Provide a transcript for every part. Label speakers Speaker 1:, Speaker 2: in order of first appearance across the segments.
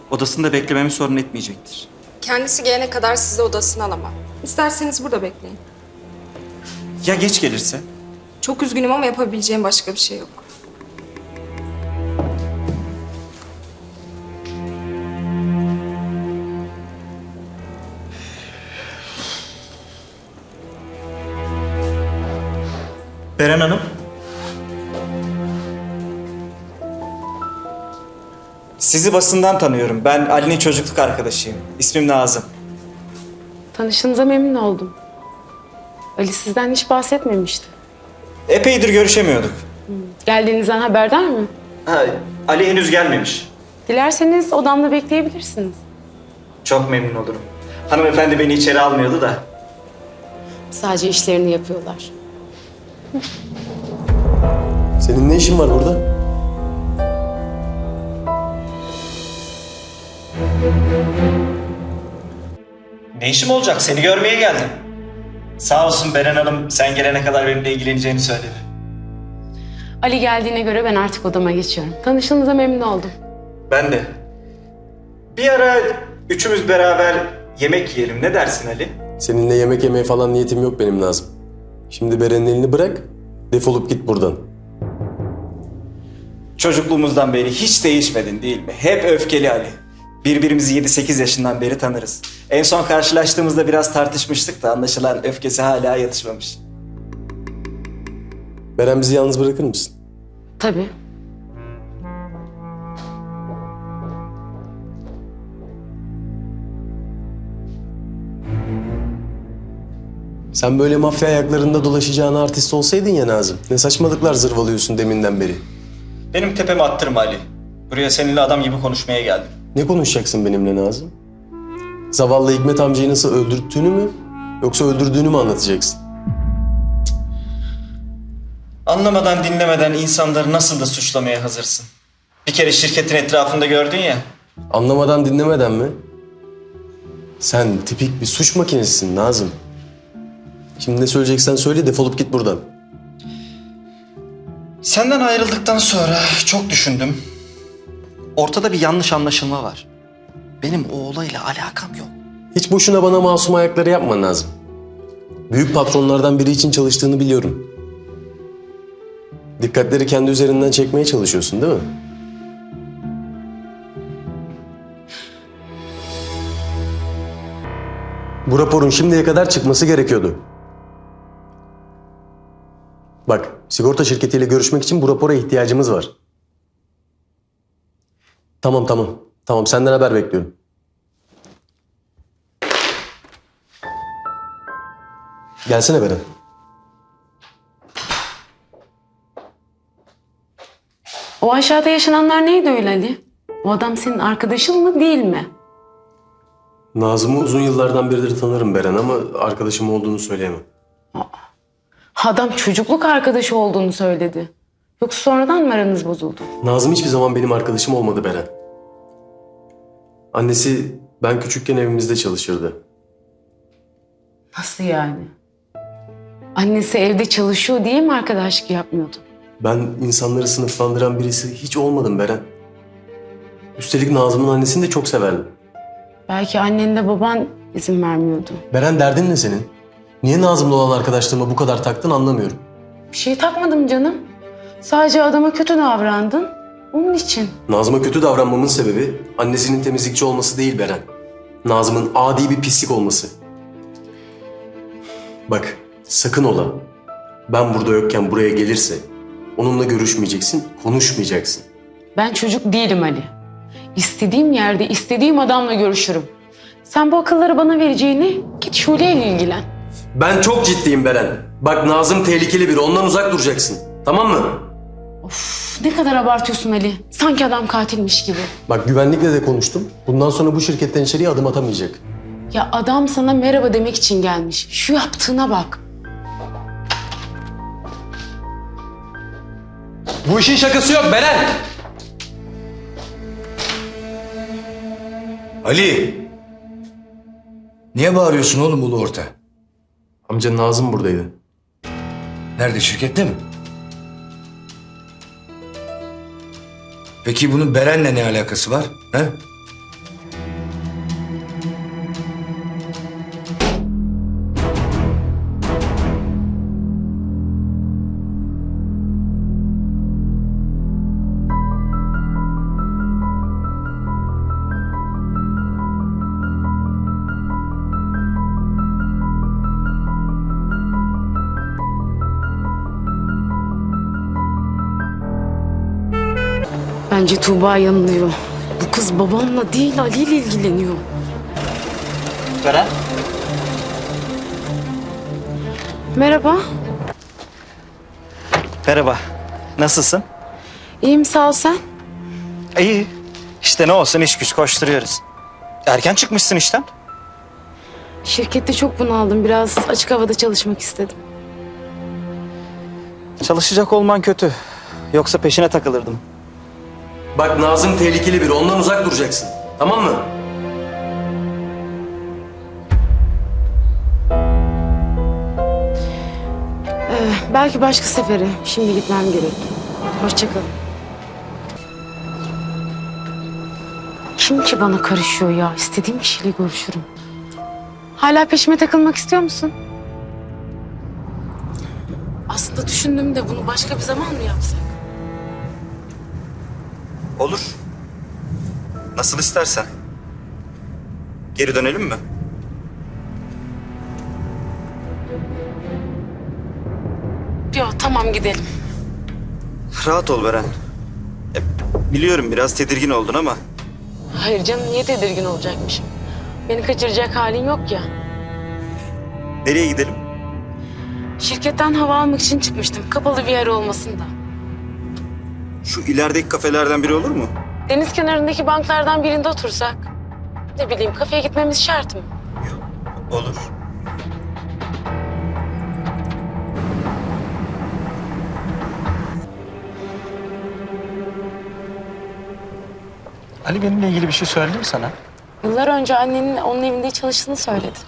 Speaker 1: Odasında beklememi sorun etmeyecektir.
Speaker 2: Kendisi gelene kadar sizi odasına alamam. İsterseniz burada bekleyin.
Speaker 1: Ya geç gelirse?
Speaker 2: Çok üzgünüm ama yapabileceğim başka bir şey yok.
Speaker 1: Beren Hanım. Sizi basından tanıyorum. Ben Ali'nin çocukluk arkadaşıyım. İsmim Nazım.
Speaker 3: Tanıştığınıza memnun oldum. Ali sizden hiç bahsetmemişti.
Speaker 1: Epeydir görüşemiyorduk.
Speaker 3: Geldiğinizden haberdar mı?
Speaker 1: Ha, Ali henüz gelmemiş.
Speaker 3: Dilerseniz odamda bekleyebilirsiniz.
Speaker 1: Çok memnun olurum. Hanımefendi beni içeri almıyordu da.
Speaker 3: Sadece işlerini yapıyorlar.
Speaker 4: Senin ne işin var burada?
Speaker 1: Ne işim olacak? Seni görmeye geldim. Sağ olsun Beren Hanım sen gelene kadar benimle ilgileneceğini söyledi.
Speaker 3: Ali geldiğine göre ben artık odama geçiyorum. Tanıştığınıza memnun oldum.
Speaker 1: Ben de. Bir ara üçümüz beraber yemek yiyelim. Ne dersin Ali?
Speaker 4: Seninle yemek yemeye falan niyetim yok benim Nazım. Şimdi Beren'in elini bırak, defolup git buradan.
Speaker 1: Çocukluğumuzdan beri hiç değişmedin değil mi? Hep öfkeli Ali. Birbirimizi 7-8 yaşından beri tanırız. En son karşılaştığımızda biraz tartışmıştık da anlaşılan öfkesi hala yatışmamış.
Speaker 4: Beren bizi yalnız bırakır mısın?
Speaker 3: Tabii.
Speaker 4: Sen böyle mafya ayaklarında dolaşacağın artist olsaydın ya Nazım. Ne saçmalıklar zırvalıyorsun deminden beri.
Speaker 1: Benim tepemi attırma Ali. Buraya seninle adam gibi konuşmaya geldim.
Speaker 4: Ne konuşacaksın benimle Nazım? Zavallı Hikmet amcayı nasıl öldürttüğünü mü, yoksa öldürdüğünü mü anlatacaksın?
Speaker 1: Anlamadan dinlemeden insanları nasıl da suçlamaya hazırsın. Bir kere şirketin etrafında gördün ya.
Speaker 4: Anlamadan dinlemeden mi? Sen tipik bir suç makinesisin Nazım. Şimdi ne söyleyeceksen söyle, defolup git buradan.
Speaker 1: Senden ayrıldıktan sonra çok düşündüm. Ortada bir yanlış anlaşılma var. Benim o olayla alakam yok.
Speaker 4: Hiç boşuna bana masum ayakları yapma Nazım. Büyük patronlardan biri için çalıştığını biliyorum. Dikkatleri kendi üzerinden çekmeye çalışıyorsun değil mi? Bu raporun şimdiye kadar çıkması gerekiyordu. Bak, sigorta şirketiyle görüşmek için bu rapora ihtiyacımız var. Tamam. Tamam, senden haber bekliyorum. Gelsene Beren.
Speaker 3: O aşağıda yaşananlar neydi öyle Ali? O adam senin arkadaşın mı değil mi?
Speaker 4: Nazım'ı uzun yıllardan beridir tanırım Beren ama arkadaşım olduğunu söyleyemem.
Speaker 3: Adam çocukluk arkadaşı olduğunu söyledi. Yoksa sonradan mı aranız bozuldu?
Speaker 4: Nazım hiçbir zaman benim arkadaşım olmadı Beren. Annesi ben küçükken evimizde çalışırdı.
Speaker 3: Nasıl yani? Annesi evde çalışıyor diye mi arkadaşlık yapmıyordu?
Speaker 4: Ben insanları sınıflandıran birisi hiç olmadım Beren. Üstelik Nazım'ın annesini de çok severdim.
Speaker 3: Belki annenle baban izin vermiyordu.
Speaker 4: Beren derdin ne senin? Niye Nazım'la olan arkadaşlığıma bu kadar taktın anlamıyorum.
Speaker 3: Bir şey takmadım canım. Sadece adama kötü davrandın. Onun için.
Speaker 4: Nazım'a kötü davranmamın sebebi annesinin temizlikçi olması değil Beren. Nazım'ın adi bir pislik olması. Bak sakın ola. Ben burada yokken buraya gelirse onunla görüşmeyeceksin, konuşmayacaksın.
Speaker 3: Ben çocuk değilim Ali. İstediğim yerde, istediğim adamla görüşürüm. Sen bu akılları bana vereceğini git Şule ile ilgilen.
Speaker 4: Ben çok ciddiyim Beren. Bak Nazım tehlikeli biri, ondan uzak duracaksın. Tamam mı?
Speaker 3: Of, ne kadar abartıyorsun Ali. Sanki adam katilmiş gibi.
Speaker 4: Bak güvenlikle de konuştum. Bundan sonra bu şirketten içeriye adım atamayacak.
Speaker 3: Ya adam sana merhaba demek için gelmiş. Şu yaptığına bak.
Speaker 4: Bu işin şakası yok Beren.
Speaker 5: Ali! Niye bağırıyorsun oğlum ulu orta?
Speaker 4: Amca Nazım buradaydı.
Speaker 5: Nerede, şirkette mi? Peki bunun Beren'le ne alakası var? He?
Speaker 3: Bence Tuğba yanılıyor. Bu kız babamla değil Ali ile ilgileniyor.
Speaker 1: Beren?
Speaker 3: Merhaba.
Speaker 1: Merhaba. Nasılsın?
Speaker 3: İyiyim sağ ol sen.
Speaker 1: İyi. İşte ne olsun iş güç koşturuyoruz. Erken çıkmışsın işten.
Speaker 3: Şirkette çok bunaldım. Biraz açık havada çalışmak istedim.
Speaker 1: Çalışacak olman kötü. Yoksa peşine takılırdım.
Speaker 4: Bak Nazım tehlikeli biri. Ondan uzak duracaksın. Tamam mı?
Speaker 3: Belki başka sefere. Şimdi gitmem gerek. Hoşça kal. Kim ki bana karışıyor ya? İstediğim kişiyle görüşürüm. Hala peşime takılmak istiyor musun? Aslında düşündüğümde bunu başka bir zaman mı yapsak?
Speaker 1: Olur. Nasıl istersen. Geri dönelim mi?
Speaker 3: Yok tamam gidelim.
Speaker 1: Rahat ol Beren. Biliyorum biraz tedirgin oldun ama
Speaker 3: Hayır canım niye tedirgin olacakmışım? Beni kaçıracak halin yok ya.
Speaker 1: nereye gidelim?
Speaker 3: Şirketten hava almak için çıkmıştım. Kapalı bir yer olmasın da.
Speaker 1: Şu ilerideki kafelerden biri olur mu?
Speaker 3: Deniz kenarındaki banklardan birinde otursak. Ne bileyim kafeye gitmemiz şart mı?
Speaker 1: Olur. Ali benimle ilgili bir şey söyledi mi sana?
Speaker 3: Yıllar önce annenin onun evinde çalıştığını söyledi.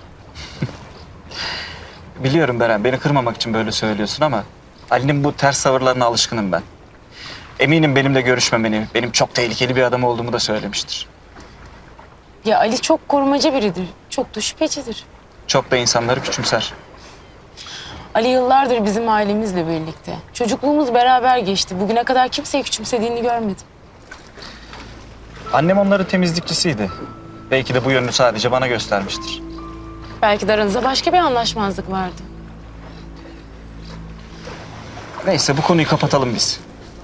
Speaker 1: Biliyorum Beren, beni kırmamak için böyle söylüyorsun ama Ali'nin bu ters tavırlarına alışkınım ben. Eminim benimle görüşmemeni, benim çok tehlikeli bir adam olduğumu da söylemiştir.
Speaker 3: Ya Ali çok korumacı biridir. Çok da şüphecidir.
Speaker 1: Çok da insanları küçümser.
Speaker 3: Ali yıllardır bizim ailemizle birlikte. Çocukluğumuz beraber geçti. Bugüne kadar kimseyi küçümsediğini görmedim.
Speaker 1: Annem onların temizlikçisiydi. Belki de bu yönünü sadece bana göstermiştir.
Speaker 3: Belki de aranızda başka bir anlaşmazlık vardı.
Speaker 1: Neyse bu konuyu kapatalım biz.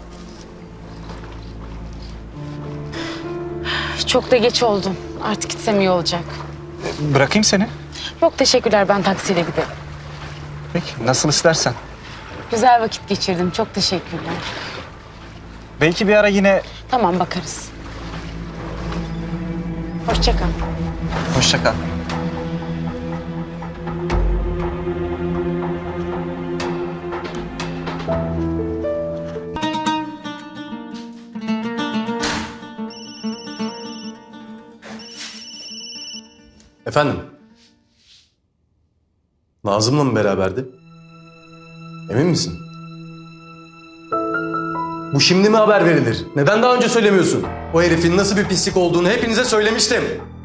Speaker 3: Çok da geç oldu. Artık gitsem iyi olacak.
Speaker 1: Bırakayım seni.
Speaker 3: Yok teşekkürler ben taksiyle giderim.
Speaker 1: Peki nasıl istersen.
Speaker 3: Güzel vakit geçirdim. Çok teşekkürler.
Speaker 1: Belki bir ara yine...
Speaker 3: Tamam bakarız. Hoşça kal.
Speaker 1: Hoşça kal.
Speaker 4: Efendim? Nazım'la mı beraberdi? Emin misin? Bu şimdi mi haber verilir? Neden daha önce söylemiyorsun? O herifin nasıl bir pislik olduğunu hepinize söylemiştim.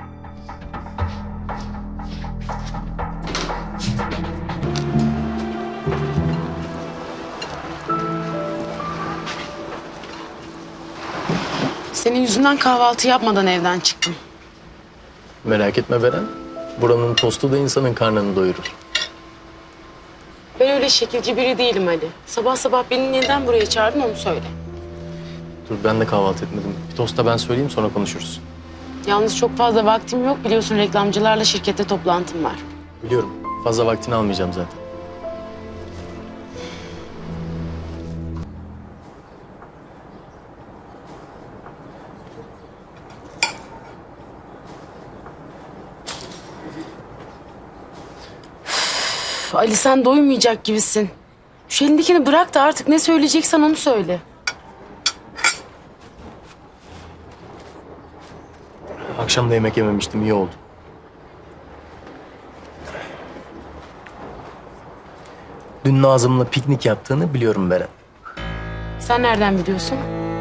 Speaker 3: Senin yüzünden kahvaltı yapmadan evden çıktım.
Speaker 6: Merak etme Beren. Buranın tostu da insanın karnını doyurur.
Speaker 3: Ben öyle şekilci biri değilim Ali. Sabah sabah beni neden buraya çağırdın onu söyle.
Speaker 6: Dur ben de kahvaltı etmedim. Bir tosta ben söyleyeyim sonra konuşuruz.
Speaker 3: Yalnız çok fazla vaktim yok. Biliyorsun reklamcılarla şirkette toplantım var.
Speaker 6: Biliyorum. Fazla vaktini almayacağım zaten.
Speaker 3: Üf, Ali sen doymayacak gibisin. Şu elindekini bırak da artık ne söyleyeceksen onu söyle.
Speaker 6: Akşam da yemek yememiştim. İyi oldu. Dün Nazım'la piknik yaptığını biliyorum Beren.
Speaker 3: Sen nereden biliyorsun?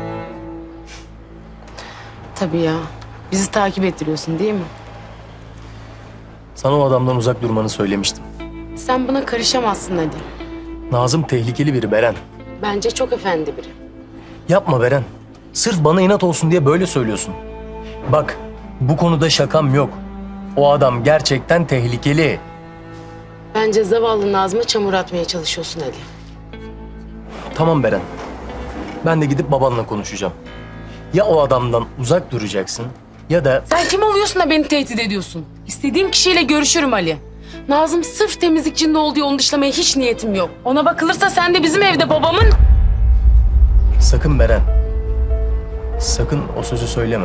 Speaker 3: Tabii ya. Bizi takip ettiriyorsun değil mi?
Speaker 6: Sana o adamdan uzak durmanı söylemiştim.
Speaker 3: Sen buna karışamazsın Ali.
Speaker 6: Nazım tehlikeli biri Beren.
Speaker 3: Bence çok efendi biri.
Speaker 6: Yapma Beren. Sırf bana inat olsun diye böyle söylüyorsun. Bak, bu konuda şakam yok. O adam gerçekten tehlikeli.
Speaker 3: Bence zavallı Nazım'a çamur atmaya çalışıyorsun Ali.
Speaker 6: Tamam Beren. Ben de gidip babanla konuşacağım. Ya o adamdan uzak duracaksın ya da
Speaker 3: Sen kim oluyorsun da beni tehdit ediyorsun? İstediğim kişiyle görüşürüm Ali. Nazım sırf temizlikçinde olduğu onu dışlamaya hiç niyetim yok. Ona bakılırsa sen de bizim evde babamın...
Speaker 6: sakın Beren. Sakın o sözü söyleme.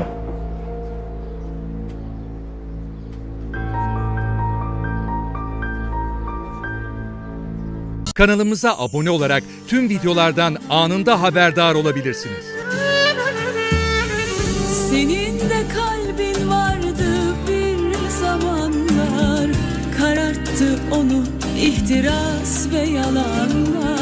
Speaker 7: Kanalımıza abone olarak tüm videolardan anında haberdar olabilirsiniz.
Speaker 8: Senin de kalbin vardı bir zamanlar, kararttı onu ihtiras ve yalanlar.